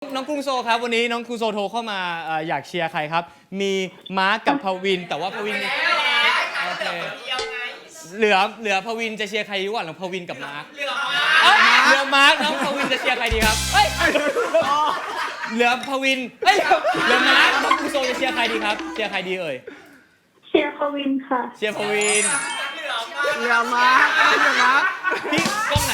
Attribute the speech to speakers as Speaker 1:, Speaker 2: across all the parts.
Speaker 1: องกรุงโซครับวันนี้น้องกรุงโซโทรเข้ามาอยากเชียร์ใครครับมีมาร์กกับพวินแต่ว่าพวินโอเคเหลือพวินจะเชียร์ใครดีกว่าหรือพวินกับมาร์กเหลือมาร์กน้องพวินจะเชียร์ใครดีครับเหลือพวินเหลือมาร์กน้องกรุงโซจะเชียร์ใครดีครับเชียร์ใครดีเอ่ย
Speaker 2: เชียร์พวินค่ะ
Speaker 1: เชียร์พวิน
Speaker 3: เหลือมา
Speaker 1: พี่กล้องไหน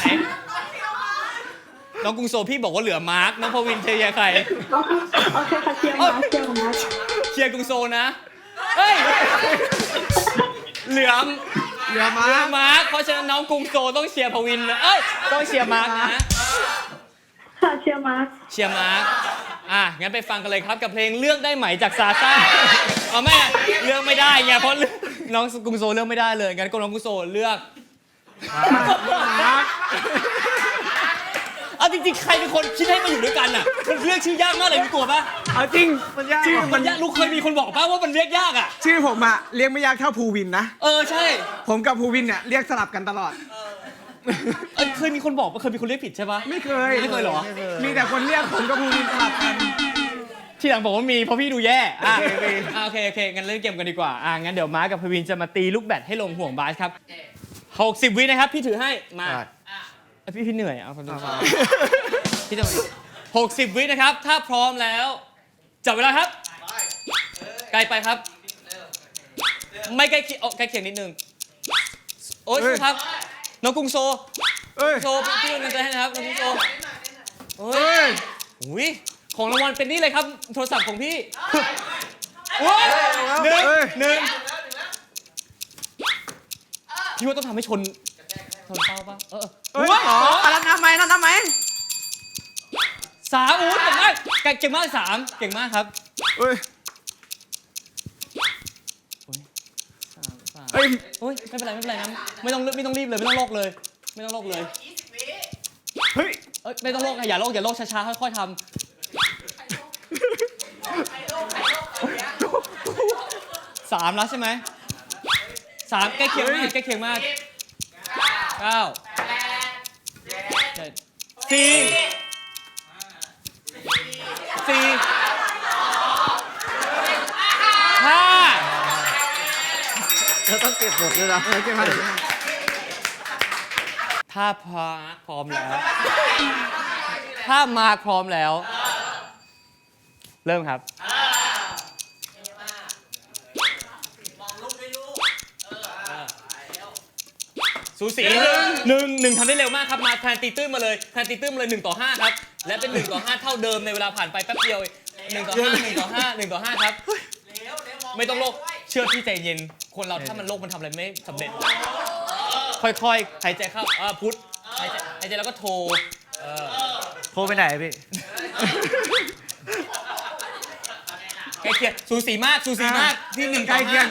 Speaker 1: น้องกรุงโซพี่บอกว่าเหลือมาร์กน้องพวินเชียร์ใคร
Speaker 2: โอเคค่ะเชียร์มาร์กเ
Speaker 1: ชียร์กรุงโซนะเหลือมาร์กเพราะฉะนั้นน้องกรุงโซต้องเชียร์พวินนะต้องเชียร์มาร์กนะ
Speaker 2: ค่ะเชียร์มาร์ก
Speaker 1: งั้นไปฟังกันเลยครับกับเพลงเลือกได้ไหมจากซาซ่าไม่เลือกไม่ได้ไงเพราะน้องกรุงโซเลือกไม่ได้เลยงั้นก็น้องกรุงโซเลือกจริงๆใครเป็นคนคิดให้มาอยู่ด้วยกันอ่ะมันเรียกชื่อยากมากเลยมีกลัวปะ
Speaker 3: จริงชื่อ
Speaker 1: มันยากลูกเคยมีคนบอกป่ะว่ามันเรียกยากอ่ะ
Speaker 3: ชื่อผมอะเรียกไม่ยากเท่าภูวินนะ
Speaker 1: ใช่
Speaker 3: ผมกับภูวินเนี่ยเรียกสลับกันตลอด
Speaker 1: เคยมีคนบอกว่าเคยมีคนเรียกผิดใช่ปะ
Speaker 3: ไม่เคย
Speaker 1: หรอ
Speaker 3: มีแต่คนเรียกผมกับภูวินสลับกัน
Speaker 1: ที่หลังบอกว่ามีเพราะพี่ดูแย่โอเคงั้นเล่นเกมกันดีกว่างั้นเดี๋ยวมาร์กับภูวินจะมาตีลูกแบดให้ลงห่วงบาสครับ60 วินะครับพี่ถือให้มาพี่เหนื่อยเอาคนดูพี่จะ60 วินะครับถ้าพร้อมแล้วจับเวลาครับไกลไปครับไม่ใกล้เคียงนิดนึงโอ๊ยครับน้องกรุงโซพี่กำลังใจให้นะครับน้องกรุงโซของรางวัลเป็นนี่เลยครับโทรศัพท์ของพี่หนึ่งพี่ว่าต้องทำให้ชนเป้าป่ะ
Speaker 3: นั่นทำไม3
Speaker 1: เก่งมาก3เก่งมากครับไม่เป็นไรนะไม่ต้องรีบเลยไม่ต้องโลกเลยไม่ต้องโลกอย่าโลกช้าๆค่อยๆทำ3แล้วใช่ไหม3ใกล้เคียงมาก9 7 4 5
Speaker 3: เราต้องเก็บหมดเลยนะ
Speaker 1: ถ้าพร้อมแล้วเริ่มครับสูสีหนึ่งทำได้เร็วมากครับมาแทนตีตื้นมาเลย1-5ครับและเป็น1-5เท่าเดิมในเวลาผ่านไปแป๊บเดียว1-5ครับไม่ต้องโลกเชื่อพี่ใจเย็นคนเราถ้ามันโลกมันทำอะไรไม่สำเร็จค่อยๆหายใจเข้าพุทหายใจแล้วก็โทร
Speaker 3: ไปไหนพี่
Speaker 1: ใกล้เคียงสูสีมากที่1-5
Speaker 3: ใกล้เคียง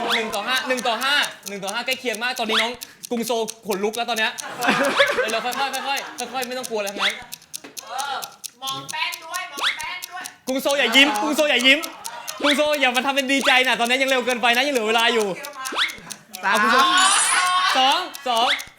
Speaker 1: 1-5ใกล้เคียงมากตอนนี้น้องกรุงโซขนลุกแล้วตอนเนี้ยเราค่อยไม่ต้องกลัวอะไรทั้งนั้น
Speaker 4: มองแป้นด้วย
Speaker 1: กรุงโซอย่ายิ้มกรุงโซอย่ามาทำเป็นดีใจนะตอนนี้ยังเร็วเกินไปนะยังเหลือเวลาอยู่
Speaker 3: 3
Speaker 1: 2